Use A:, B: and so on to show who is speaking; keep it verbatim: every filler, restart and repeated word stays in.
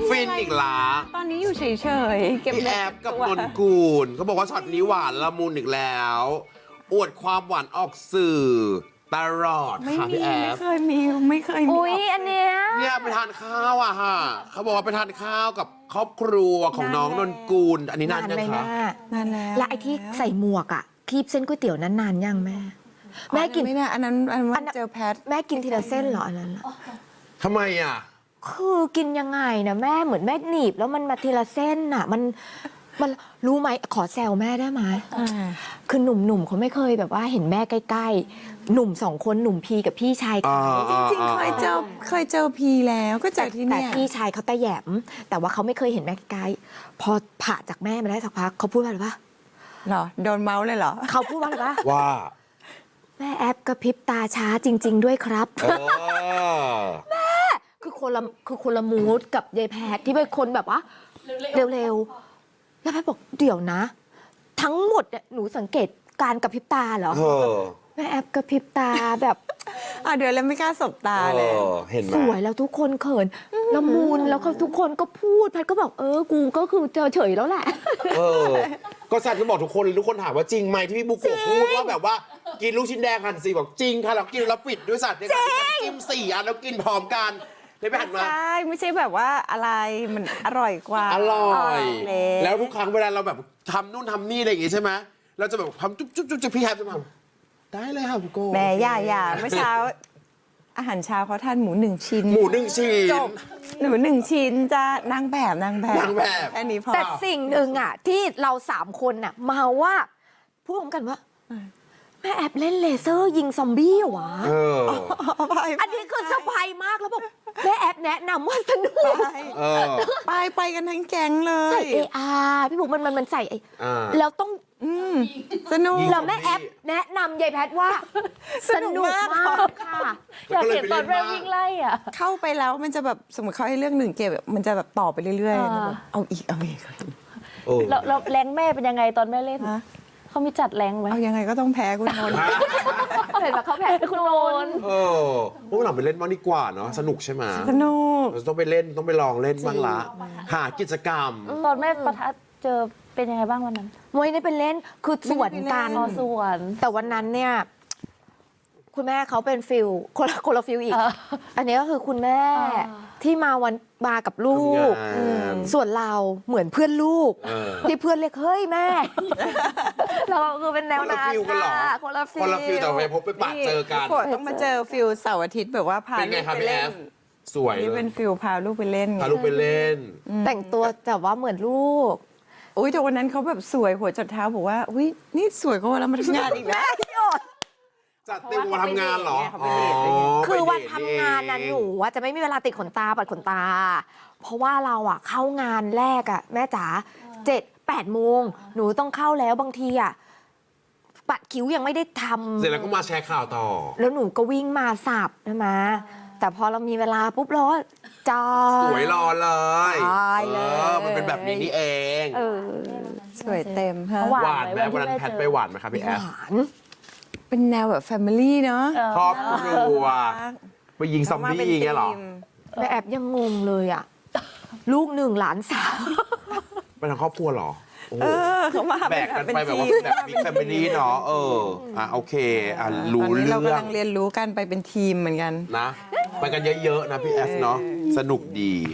A: ฟินอีกละ
B: ตอนนี้อยู่เฉยๆเก็บ
A: พี่แอฟกับนนกูลเขาบอกว่าช็อตนี้หวานละมุนอีกแล้ว อวดความหวานออกสื่อตลอด
B: ไม่
A: ค่ะ
B: มี
A: พี่แอ
B: ไม่
A: ฟ
B: เคยมีไม่เคยมี
C: อุ๊ยอันเนี้ย
A: เนี่ยไปทานข้าวอะฮะเขาบอกว่าไปทานข้าวกับครอบครัวของน้องนนกูล อันนี้นานยัง
C: ไหม
A: คะ
C: แม่
B: นานแล้ว
C: และไอ้ที่ใส่หมวกอ่ะคีบเส้นก๋วยเตี๋ยวนั้นนานยังแม่ แม่กิน
B: ไม่น่าอันนั้นอัน
C: อั
B: นั้น น
C: นั้น
B: เจอแพท
C: แม่กินทีละเส้นเหรออันนั้นอะ
A: ทำไมอะ
C: คือกินยังไงนะแม่เหมือนแม่หนีบแล้วมันมาทีละเส้นน่ะมันมันรู้ไหมขอแซวแม่ได้ไหม
B: อ่า
C: คือหนุ่มๆเขาไม่เคยแบบว่าเห็นแม่ใกล้ๆ หนุ่มสองคนหนุ่มพีกับพี่ชายเขา
B: จริงๆเคยเจอเคยเจอพีแล้วก็เจ
C: แต่
B: อที่
C: แต่
B: เนี่ย
C: พี่ชายเขาตะแหยม แต่ว่าเขาไม่เคยเห็นแม่ใกล้ๆพอผ่าจากแม่มาได้สักพักเขาพูดว่าอะไรปะ
B: เหรอโดนเมาส์เลยเหรอ
C: เขาพูดว่าอะไรปะ
A: ว่า
C: แม่แอปกระพริบตาช้าจริง ๆ ด้วยครับ
A: เออ
C: คือคนละคือคนละมูดกับยายแพทที่เป็นคนแบบว่าเร็วๆแล้วแพทบอกเดี๋ยวนะ ทั้งหมดเนี่ยหนูสังเกตการกระพริบตาเหรอ
A: เออ
C: แม่แอปกระพริบตาแบบ
B: อ่ะเดี๋ยวแล้วไม่กล้าสบตาเลย
A: ออเห็นไหม
C: สวยแล้วทุกคนเขินละมุนแล้วก็ทุกคนก็พูดแพทก็บอกเออกูก็คือเจอเฉยแล้วแหละ
A: เออ ก็สัตว์ก็บอกทุกคนทุกคนถามว่าจริงไหมที่พี่บุกโกะพูดว่าแบบว่ากินลูกชิ้นแดงหั่นสี่บอกจริงค่ะเรากินแล้วปิดด้วยสัตว์ในการที่จิ้มสี่อันแล้วกินพร้อมกันเลยไปหันมา
B: ใช่ไม่ใช่แบบว่าอะไรมันอร่อยกว่า
A: อร่อย
B: แล้
A: แล้ว วทุกครั้งเวลาเราแบบทำนู่นทำนี่อะไรอย่างงี้ใช่ไหมเราจะแบบทำจุ๊บจุ๊บจุ๊บจุ๊บพี่แฮปจะมาได้เลยค่ะบุกโกะ
B: แม่ย่าย่าเมื่อเช้า อาหารเช้าเขาทานหมูหนึ่งชิ้น
A: หมูหนึ่งชิ้น
B: จบหนูหนึ่งชิ้นจะนางแบบนางแบบ
A: นางแบบ
B: แค่นี้พอ
C: แต่สิ่งหนึ่งอ่ะที่เราสามคนน่ะเมาว่าพูดพร้อมกันว่าแม่แอปเล่นเลเซอร์ยิงซอมบี้เหรอวะ
A: เออ
C: อันนี้คือเซอร์ไพรส์มากแล้วบอกแม่แอปแนะนำว่าสนุก
B: ไป
A: เออ
B: ไปไปกันทั้งแก๊งเล
C: ใส่
B: ย
C: เออาร์พี่บุ๋มมันมันมันใส่ไอ้
A: อ่า
C: แล้วต้อง
B: อืมสนุก
A: ยิง
C: แล้วแม่แอปแนะนำยายแพทว่า
B: สนุกมาก
C: มากค่ะ
A: อยากเห็นตอนแม่วิ่งไล่
C: อ่ะ
B: เข้าไปแล้วมันจะแบบสมมติเขาให้เรื่องหนึ่งเกมแบบมันจะแบบต่อไปเรื่อย
D: อ่า
B: ๆเอาอีกเอาอีก
A: เออ
D: แล้วแล้วแรงแม่เป็นยังไงตอนแม่เล่น
B: ฮะ
D: เขามีจัดแรงไหม
B: เอายังไงก็ต้องแพ้คุณนนท์
C: เห็นปะเขาแพ้คุณโนน
A: เออพวกเราไปเล่นบ้างดีกว่าเนาะสนุกใช่ไหม
B: สนุก
A: เราต้องไปเล่นต้องไปลองเล่นบ้างละ หากิจกรรม
D: ตอนแม่ประทัดเจอเป็นยังไงบ้างวันนั้น
C: มวยได้เป็นเล่นคือสวนกัน
D: อ๋อสวน
C: แต่วันนั้นเนี่ย คุณแม่เขาเป็นฟิลคนละคนละฟิลอีก
D: เออ
C: อันนี้ก็คือคุณแม่
D: อ่า
C: ที่มาวันมากับลูก
A: ทำงาน
C: อืมส่วนเราเหมือนเพื่อนลูก
A: เออ
C: ที่เพื่อนเรียกเฮ้ยแม่ เราคือเป็นแนว
A: คนละ
C: นั้น
A: ฟิลกันเหรอ
C: ค่ะคนละฟิล
A: คนละฟิลแต่ไปพบไปปะเจอกัน
B: ต้องมาเจอฟิลเสาร์อาทิตย์แบบว่าพา
A: เป็นไง
B: ลูก
A: ครับ
B: ไป
A: พี่แอ
B: เล่น
A: ฟสวย
B: นี่
A: เล
B: เป็
A: ย
B: นฟิลพาลูกไปเล่นไง
A: พาลูกไปเล่น
C: แต่งตัวแต่ว่าเหมือนลูก
B: อุ้ยแต่วันนั้นเขาแบบสวยหัวจดเท้าบอกว่าอุ้ยนี่สวยกว่าวันเรามาทำงานอีกนะ
A: จัดเต็มวันทำงานเหรอ
B: เขาไปเดทอะไรเงี้ย
C: คือวัน
A: ไปเดท
C: ทำงานนะหนูว่าจะไม่มีเวลาติดขนตาปัดขนตา เพราะว่าเราอะเข้างานแรกอะแม่จ๋าเจ็ดแปดโมงหนูต้องเข้าแล้วบางทีอะปัดคิ้วยังไม่ได้ทำ
A: เสร็จแล้วก็มาแชร์ข่าวต่อ
C: แล้วหนูก็วิ่งมาสับใช่ไหมแต่พอเรามีเวลาปุ๊บเราก็จอ
A: สวยรอเลย
C: ตายเลย
A: ออมันเป็นแบบนี้นี่เอง
C: เออ
B: สวยเต็มฮะ
D: หวาน
A: หวานไหม
D: ไหมวั
A: วัน
D: นที่
A: นั้น
D: แม่
A: แพท
D: เจอ
A: ไปหวานไหมครับพี่แอฟ
C: หวาน
B: เป็นแนวแบบแฟมิลี่เนาะ
D: เออ
A: ครอบครัวไปยิงซอมบี้อย่างเงี้ยเหรอ
C: แม่แอบยังงงเลยอะลูกหนึ่งหลานสาม
A: เป็นทางครอบครัวเหรอโอ้โห
B: เออเขามา
A: แบกกันไปแบบว่าแบบบิ๊กแฟมิลี่เนาะเอออ่ะโอเคอ่ะรู้
B: ตอนนี้
A: เรื่
B: เรา
A: อง
B: กำลังเรียนรู้กันไปเป็นทีมเหมือนกัน
A: นะไปกันเยอะๆนะพี่แอฟเนาะสนุกดี